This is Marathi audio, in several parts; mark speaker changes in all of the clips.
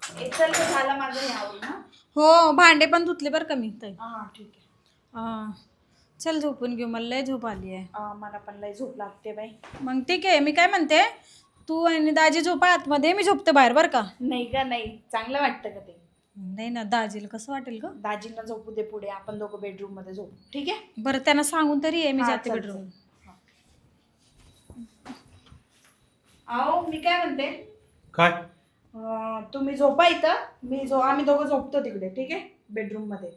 Speaker 1: चल तर झाला माझं हे आवरून ना.
Speaker 2: हो भांडे पण धुतले बरं का मी ताई.
Speaker 1: हा ठीक आहे.
Speaker 2: चल झोपून घेऊ, मला लय झोप आली आहे.
Speaker 1: मला पण लय झोप लागते बाई.
Speaker 2: मग ठीक आहे, मी काय म्हणते, तू आणि दाजी झोपा आतमध्ये, मी झोपते बाहेर बरं का.
Speaker 1: नाही का, नाही चांगलं वाटतं का ते?
Speaker 2: नाही ना, दाजीला कसं वाटेल ग.
Speaker 1: दाजींना झोपू दे पुढे, आपण दोघं बेडरूम मध्ये झोपू. ठीक आहे
Speaker 2: बरं त्यांना सांगून तरी आहे मी
Speaker 1: हा,
Speaker 2: जाते
Speaker 1: चल,
Speaker 2: बेडरूम.
Speaker 1: चल. आओ मी काय म्हणते,
Speaker 3: काय?
Speaker 1: तुम्ही झोपा इथं, आम्ही दोघं झोपतो तिकडे. ठीक आहे बेडरूम मध्ये.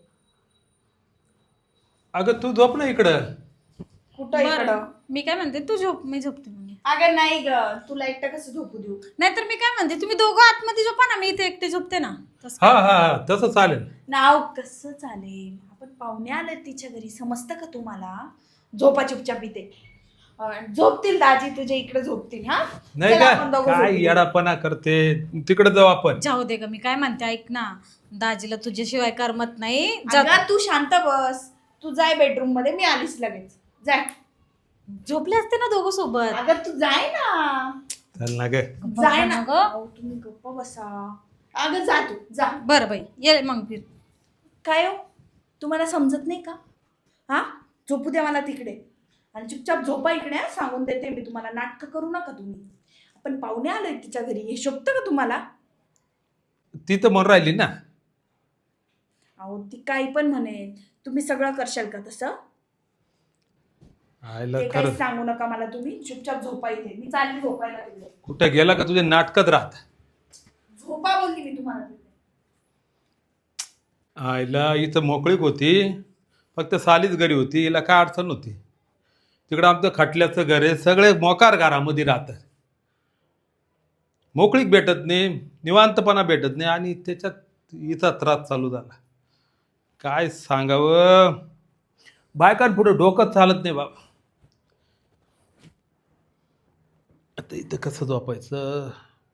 Speaker 3: अगं तू झोप ना इकडं.
Speaker 1: कुठं
Speaker 2: बरं,
Speaker 1: इकडं?
Speaker 2: मी काय म्हणते, तू झोप, मी झोपते मग.
Speaker 1: अगं नाही ग, तुला एकटं कसं झोपू देऊ?
Speaker 2: नाहीतर मी काय म्हणते, तुम्ही दोघं आतमध्ये झोपा ना, मी इथे एकटे झोपते ना. तसं
Speaker 3: हा
Speaker 2: काय?
Speaker 3: हा हा तसं चालेल.
Speaker 1: नाव कसं चालेल, आपण पाहुणे आले तिच्या घरी, समजतं का तुम्हाला? झोपा चुपचाप इथे. झोपतील दाजी तुझ्या इकडे झोपतील. हा
Speaker 3: नाही
Speaker 1: चल, आपण
Speaker 3: का
Speaker 1: दोघं
Speaker 3: काय
Speaker 1: झोपू.
Speaker 3: येडापणा करते, तिकडे जाऊ आपण.
Speaker 2: जाऊ दे ग, मी काय म्हणते ऐक ना, दाजीला तुझ्याशिवाय करमत नाही.
Speaker 1: अगं, तू शांत बस. तू जाय बेडरूम मध्ये, मी आलीच लगेच. जाय.
Speaker 2: झोपले असते ना दोघं सोबत.
Speaker 1: अगं तू जाय ना.
Speaker 3: चल ना ग.
Speaker 1: जाय ना
Speaker 2: ग.
Speaker 1: अहो, तुम्ही गप्प बसा. अगं जा तू जा.
Speaker 2: बरं बाई, ये मग फिर.
Speaker 1: काय हो, तुम्हाला समजत नाही का? हा, झोपू द्या मला तिकडे आणि चुपचाप झोपा इकडे. सांगून देते मी तुम्हाला, नाटकं करू नका तुम्ही. आपण पाहुणे आलोय तिच्या घरी, हे शोभतं का तुम्हाला?
Speaker 3: ती तर म्हणून राहिली ना.
Speaker 1: अहो ती काही पण म्हणेल, तुम्ही सगळं करशाल का तसं?
Speaker 3: आयला
Speaker 1: ते
Speaker 3: खरं
Speaker 1: काही सांगू नका मला तुम्ही. चुपचाप झोपा इथे, मी चालली झोपायला तिकडे.
Speaker 3: कुठे गेला का तुझे नाटकत राहत.
Speaker 1: झोपा बोलली मी तुम्हाला तिकडे.
Speaker 3: आईला इथं मोकळीक होती, फक्त सालीच घरी होती, हिला काय अडचण होती. तिकडं आमचं खटल्याचं घर आहे, सगळे मोकार घरामध्ये राहतात. मोकळीक भेटत नाही, निवांतपणा भेटत नाही, आणि त्याच्यात इथं त्रास चालू झाला. काय सांगावं, बायकांपुढं डोकं चालत नाही बाबा. आता इथं कसं झोपायचं.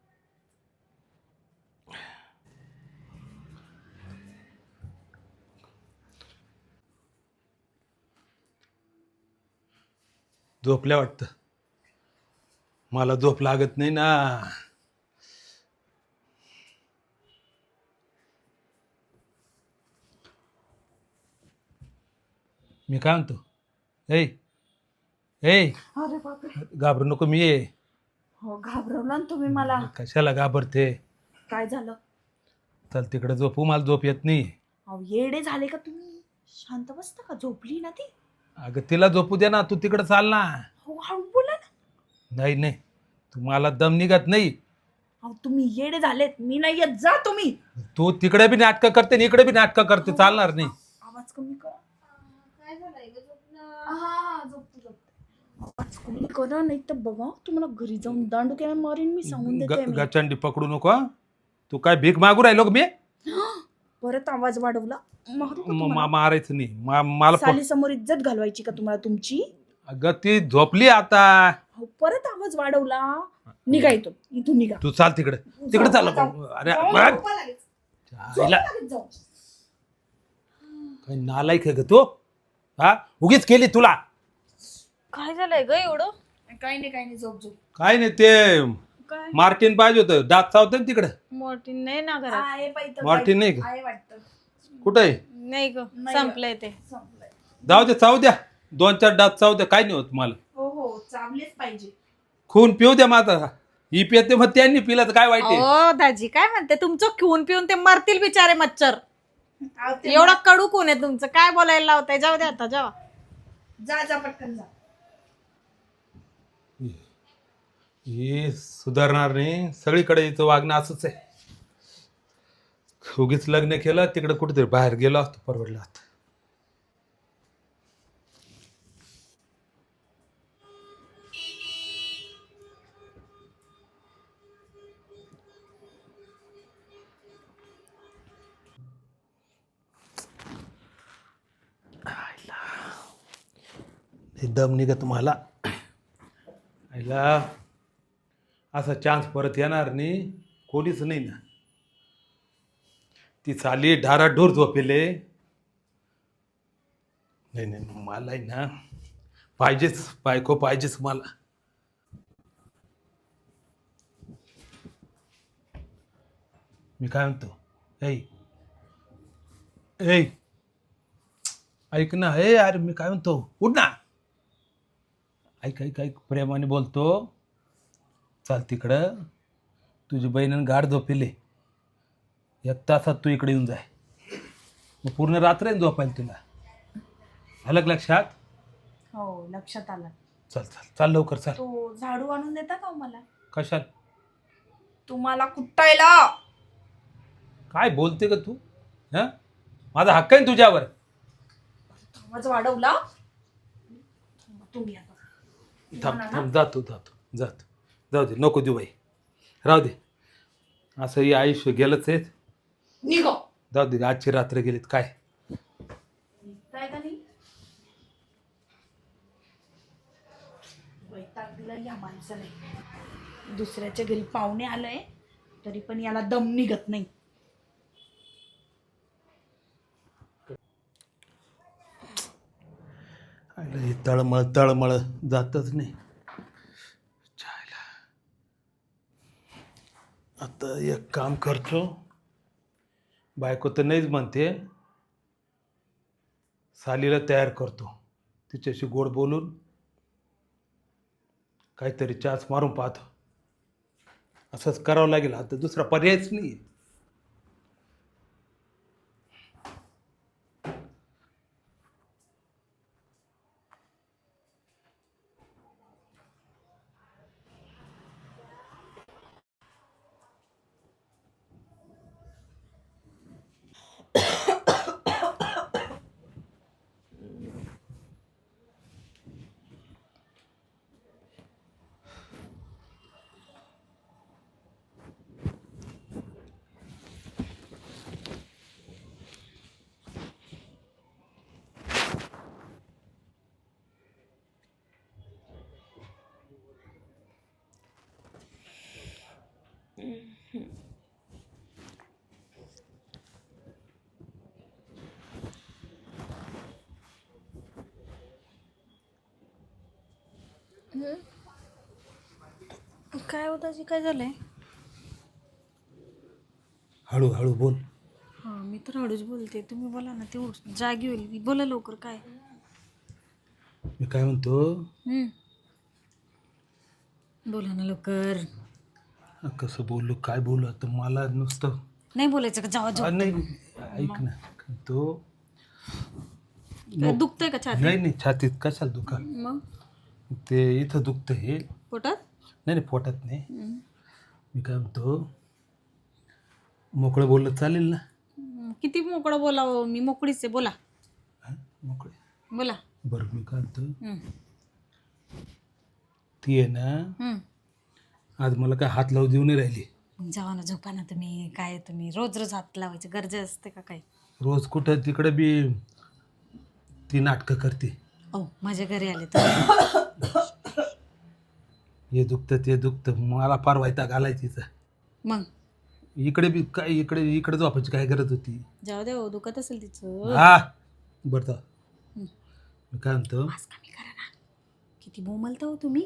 Speaker 3: झोपल्या वाटतं, मला झोप लागत नाही ना. मी काय म्हणतो, ए ए
Speaker 1: अरे बापरे.
Speaker 3: घाबरू नको, मी ये.
Speaker 1: हो घाबरवला ना तुम्ही मला.
Speaker 3: कशाला घाबरते.
Speaker 1: काय झालं?
Speaker 3: चल तिकडे झोपू, मला झोप येत नाही.
Speaker 1: अहो येडे झाले का तुम्ही? शांत बसता का? झोपली ना ती.
Speaker 3: अगं तिला झोपू दे ना, तू तिकडे चाल ना.
Speaker 1: हो हळू बोला ना.
Speaker 3: नाही नाही, तुम्हाला दम निघत नाही.
Speaker 1: अहो तुम्ही येडे झालेत, मी नाही येत. जा तुम्ही.
Speaker 3: तू तिकडे बी नाटकं करते आणि इकडे बी नाटकं करते, चालणार नाही.
Speaker 1: आवाज कमी करा. हा झोपतो झोपतो. आवाज कमी करा, नाही तर बघा तुम्हाला घरी जाऊन दांडू मारीन मी, सांगून देते मी.
Speaker 3: गचंडी पकडू नको हं. तू काय भीक मागू राहिलो का मी?
Speaker 1: परत आवाज वाढवला मारू का तुम्हाला?
Speaker 3: मारायचं नाही मला.
Speaker 1: साली समोर इज्जत घालवायची का तुम्हाला तुमची?
Speaker 3: अगं ती झोपली आता.
Speaker 1: अहो, परत आवाज वाढवला. निघा इथून निघा.
Speaker 3: तू चाल तिकडे, तिकडे चाल. अरे बघ. आईला काय नालायक आहे ग तू. हा उगीच केली तुला.
Speaker 2: काय झालंय ग एवढं?
Speaker 1: काही नाही झोप झोप.
Speaker 3: काय नाही, ते
Speaker 2: काय
Speaker 3: मार्टिन पाहिजे होतं, दात चावतं ना तिकडे.
Speaker 2: मोठीन नाही ना घरात.
Speaker 1: आहे बाई इथं
Speaker 3: मार्टिन
Speaker 1: काय?
Speaker 3: नाही का?
Speaker 1: आहे वाटतं.
Speaker 3: कुठं आहे?
Speaker 2: नाही ग,
Speaker 1: नाही.
Speaker 2: संपलंय ते.
Speaker 1: संपलंय.
Speaker 3: जाऊ दे, चावू द्या. 2-4 दात चावू द्या, काय नाही होत मला.
Speaker 1: हो चावलेच पाहिजे.
Speaker 3: खून पिऊ द्या माझा. ही पिते मग त्यांनी पिला तर काय वाईट आहे.
Speaker 2: ओ दाजी काय म्हणते, तुमचं घेऊन पिऊन ते मरतील बिचारे मच्छर.
Speaker 1: अहो, ते
Speaker 2: एवढा कडू कोण आहे तुमचं, काय बोलायला लावताय. जाऊ दे आता, जावा.
Speaker 1: जा पटकन जा.
Speaker 3: हे सुधारणार नाही, सगळीकडे इथं वागणं असंच आहे. उगीच लग्न केलं, तिकडे कुठेतरी बाहेर गेलो असतो, परवडलं असतं. हे दम निघत मला. आईला असा चान्स परत येणार नाही, कोणीच नाही ना. ती चाली ढाराढूर झोपेले. नाही मला आहे ना, पाहिजेच बायको, पाहिजेच मला. मी काय म्हणतो ऐ ऐ ऐक ना, हे अरे मी काय म्हणतो, उठ ना. ऐक ऐक ऐक, प्रेमाने बोलतो. चाल तिकडं, तुझी बहिणीनं गाड झोपेले. 1 तासात तू इकडे येऊन जाय. मग पूर्ण रात्र झोपायला तुला. आलं का लक्षात?
Speaker 1: हो लक्षात आलं.
Speaker 3: चल चल चाल लवकर चाल.
Speaker 1: तो झाडू आणून देता का हो मला?
Speaker 3: कशाला?
Speaker 1: तुम्हाला कुट्टायला.
Speaker 3: काय बोलते का तू? हा, माझा हक्क आहे ना तुझ्यावर.
Speaker 1: आवाज वाढवला तुम्ही आता.
Speaker 3: थांब थांब, जातो जाऊ दे, नको देऊ बाई, राहू दे. असं हे आयुष्य गेलंच आहे.
Speaker 1: निघो.
Speaker 3: जाऊ दे, आजची रात्र गेलीत काय.
Speaker 1: निघताय का नाही? वैताग दिला या माणसाने. दुसऱ्याच्या घरी पाहुणे आलंय तरी पण याला दम निघत नाही.
Speaker 3: हे तळमळ जातच नाही. चायला. आता एक काम करतो, बायको तर नाहीच म्हणते, सालीला तयार करतो, तिच्याशी गोड बोलून काहीतरी चाच मारून पाहतो. असंच करावं लागेल, आता दुसरा पर्यायच नाही.
Speaker 2: काय होतं जी, काय झालंय?
Speaker 3: हळूहळू बोल.
Speaker 2: हा मी तर हळूच बोलते, तुम्ही बोला ना, ते जागी होईल. बोला लवकर. काय?
Speaker 3: मी काय म्हणतो,
Speaker 2: बोला ना लवकर.
Speaker 3: कसं बोललो, काय बोलू, आता मला नुसतं
Speaker 2: नाही बोलायचं का? जावा
Speaker 3: नाही. ऐक ना, तो
Speaker 2: दुखतंय का छाती?
Speaker 3: नाही छातीत कशाला दुखा,
Speaker 2: मग
Speaker 3: ते इथं दुखतं हे.
Speaker 2: पोटात?
Speaker 3: नाही पोटात नाही. मी काय म्हणतो, मोकळं बोललं चालेल ना?
Speaker 2: किती मोकळं बोलावं, मी मोकळीच आहे. बोला.
Speaker 3: मोकळे
Speaker 2: बोला.
Speaker 3: बरं, मी काय म्हणतो, ती आहे ना, आज मला काय हात लावू देऊ नाही राहिली.
Speaker 2: जावा ना, झोपा ना तुम्ही. काय तुम्ही रोज रोज हात लावायचं गरज असते का काय?
Speaker 3: रोज कुठं तिकडं बी ती नाटकं करते.
Speaker 2: माझ्या घरी आले तर
Speaker 3: हे दुखतं ते दुखतं, मला फार वैताग आलाय तिचं.
Speaker 2: मग
Speaker 3: इकडे बी काय, इकडे झोपायची काय गरज होती?
Speaker 2: जाऊ दे, दुखत असेल तिचं.
Speaker 3: हा बरं तर मी काय म्हणतो,
Speaker 2: आवाज कमी करा ना. किती बोमलता हो तुम्ही.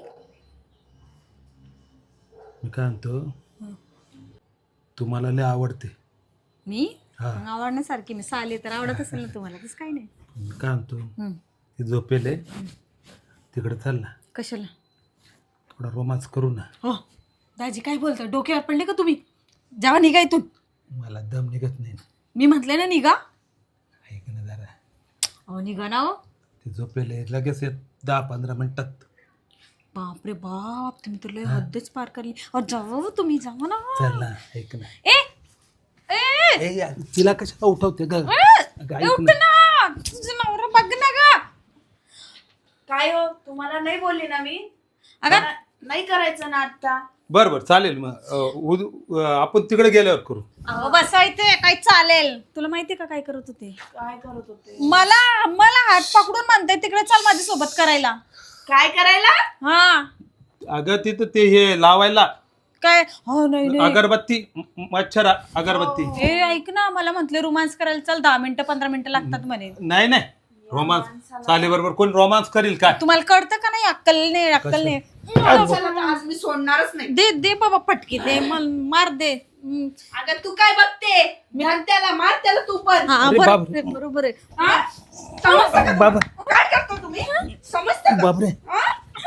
Speaker 3: मी काय म्हणतो, तू मला लय आवडते.
Speaker 2: मी
Speaker 3: हा.
Speaker 2: मग आवडण्यासारखी मी साली तर आवडत असेल ना तुम्हाला, तसं काही नाही.
Speaker 3: मी काय म्हणतो, ती झोपेले तिकडे चाल ना,
Speaker 2: कशाला?
Speaker 3: थोडा रोमांस करू ना.
Speaker 2: हो दाजी, काय बोलता? डोक्यावर पडले का तुम्ही? जावा निघा इथून.
Speaker 3: मला दम निघत नाही.
Speaker 2: मी म्हटले ना निघा.
Speaker 3: ऐक ना जरा,
Speaker 2: निघा ना हो.
Speaker 3: ते झोपेले लगेच 10-15 मिनिटात.
Speaker 2: बापरे बाप, तुम्ही तर लय हद्दच पार करली. जावा तुम्ही, जावा ना.
Speaker 3: चल ना, ऐक ना.
Speaker 2: ए
Speaker 3: यार, तिला कशाला उठवते ग?
Speaker 2: उठ ना, तुझं नवरा बघ ना ग.
Speaker 1: काय हो, तुम्हाला नाही बोलली ना मी?
Speaker 2: अगं
Speaker 1: मला नाही करायचं ना आता.
Speaker 3: बरं चालेल, मग आपण तिकडे गेल्यावर करू.
Speaker 2: बसायचे काय चालेल. तुला माहितीये का काय करत होते?
Speaker 1: काय करत होते?
Speaker 2: मला हात पकडून म्हणते तिकडे चल माझ्या सोबत करायला.
Speaker 1: काय करायला?
Speaker 2: हा
Speaker 3: अगं तिथं ते हे लावायला
Speaker 2: काय? हो नाही
Speaker 3: अगरबत्ती, मच्छर अगरबत्ती.
Speaker 2: ए ऐक ना, मला म्हटले रोमांस करायला चल, 10 मिनिटं 15 मिनिटं लागतात म्हणे.
Speaker 3: नाही रोमांस चाले बरोबर कोण रोमांस करील काय?
Speaker 2: तुम्हाला कळतं का नाही? अक्कल नाही.
Speaker 1: चला, आज मी सोडणारच नाही.
Speaker 2: दे बाबा फटके, दे मार दे.
Speaker 1: अगं तू काय बघते? घाल त्याला, मार त्याला तू पण.
Speaker 2: हा
Speaker 3: अरे
Speaker 2: बरोबर
Speaker 3: बापरे.
Speaker 2: आहे, बरोबर आहे.
Speaker 1: हा? समजतं का?
Speaker 3: बाबा
Speaker 1: काय करतो तुम्ही? समजतं का?
Speaker 3: बापरे
Speaker 1: हा?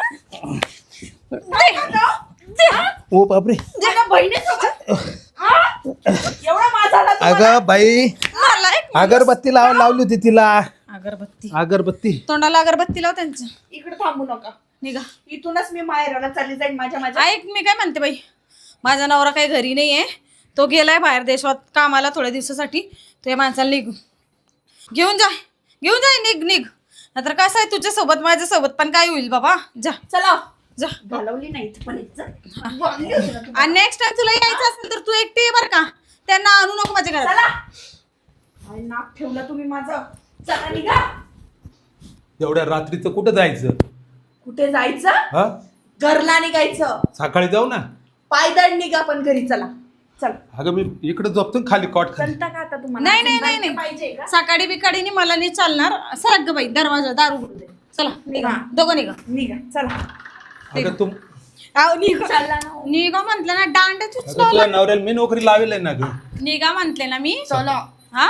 Speaker 1: काय करतो? हा?
Speaker 3: ओ बापरे
Speaker 1: माझ्या बहिणीसोबत? हा? एवढा माझा आला तुम्हाला?
Speaker 3: अगं बाई
Speaker 2: मला एक
Speaker 3: अगरबत्ती लावली होती तिला.
Speaker 2: अगरबत्ती
Speaker 3: अगरबत्ती
Speaker 2: तोंडाला अगरबत्ती लाव त्यांच्या.
Speaker 1: इकडे थांबू नका.
Speaker 2: निघा.
Speaker 1: इथूनच मी माहेराला चालली जाईन माझ्या
Speaker 2: ऐक मी काय म्हणते बाई, माझा नवरा काही घरी नाही आहे, तो गेलाय बाहेर देशात कामाला थोड्या दिवसासाठी. तो या माणसाला घेऊन जा निघ नाहीतर कसं आहे तुझ्यासोबत माझ्यासोबत पण काय होईल बाबा. जा
Speaker 1: चला.
Speaker 2: जा.
Speaker 1: घालवली नाही इथं पण इज्जत. बोलली होती ना तुम्हाला.
Speaker 2: आणि नेक्स्ट टाइम तुला यायचं असेल तर तू एकटी ये बरं का, त्यांना आणू नको माझ्या घरात.
Speaker 1: चला. काय नाक ठेवलं तुम्ही माझं. चला निघा.
Speaker 3: एवढ्या रात्रीचं कुठं जायचं?
Speaker 1: कुठे जायचं?
Speaker 3: हा
Speaker 1: घरला निघायचं.
Speaker 3: सकाळी जाऊ ना.
Speaker 1: पायदळ निघा पण घरी. चला चला.
Speaker 3: अगं मी इकडे झोपतो ना खाली कॉट खाली.
Speaker 1: चलता का आता तुम्हाला?
Speaker 2: नाही
Speaker 1: पाहिजे का?
Speaker 2: सकाळी बिकाडीने मला नाही चालणार. सरक ग बाई, दरवाजा दारू उघडू दे. चला निघा,
Speaker 1: हा.
Speaker 2: दोघं निघा.
Speaker 1: निघा चला.
Speaker 3: अगं तुम
Speaker 2: निघा
Speaker 1: चालला ना.
Speaker 2: निघा म्हंटल ना, दांड्या
Speaker 3: अगं
Speaker 2: चुचला.
Speaker 3: तुझ्या नवऱ्याला मी नोकरी लावेल ना ग.
Speaker 2: निघा म्हंटले ना मी.
Speaker 1: चला.
Speaker 2: हा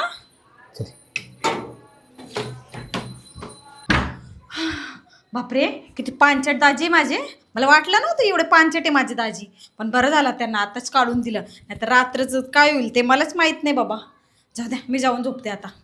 Speaker 2: बापरे, किती पांचट दाजी माझे. मला वाटलं नव्हतं एवढे पांचट आहे माझे दाजी, पण बरं झालं त्यांना आताच काढून दिलं, नाहीतर रात्रचं काय होईल ते मलाच माहित नाही बाबा. जाऊ द्या, मी जाऊन झोपते आता.